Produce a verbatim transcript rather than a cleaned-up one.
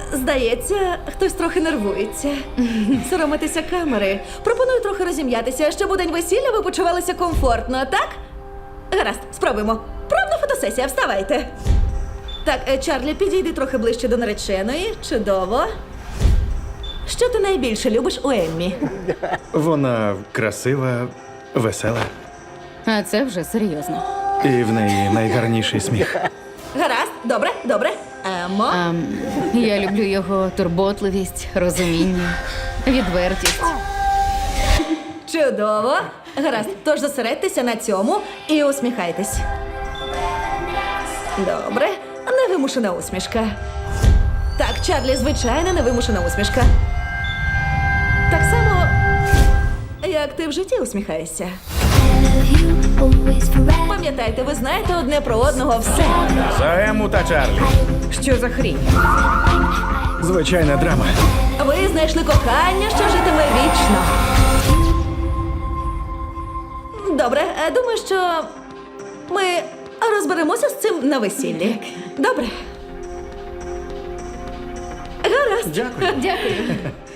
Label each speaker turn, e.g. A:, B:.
A: Здається, хтось трохи нервується. Соромитися камери. Пропоную трохи розім'ятися, щоб у день весілля ви почувалися комфортно, так? Гаразд, спробуємо. Пробна фотосесія, вставайте. Так, е, Чарлі, підійди трохи ближче до нареченої. Чудово. Що ти найбільше любиш у Еммі?
B: Вона красива, весела.
C: А це вже серйозно.
B: І в неї найгарніший сміх.
A: Гаразд, добре, добре. Емо.
C: А, я люблю його турботливість, розуміння, відвертість.
A: Чудово. Гаразд, тож зосередьтеся на цьому і усміхайтесь. Добре. Невимушена усмішка. Так, Чарлі, звичайна невимушена усмішка. Так само, як ти в житті усміхаєшся. Пам'ятайте, ви знаєте одне про одного все.
B: За Ему та Чарлі.
A: Що за хрінь?
B: Звичайна драма.
A: Ви знайшли кохання, що житиме вічно. Добре, е, думаю, що ми розберемося з цим на весіллі. Добре. Гаразд.
B: Дякую.
C: Дякую.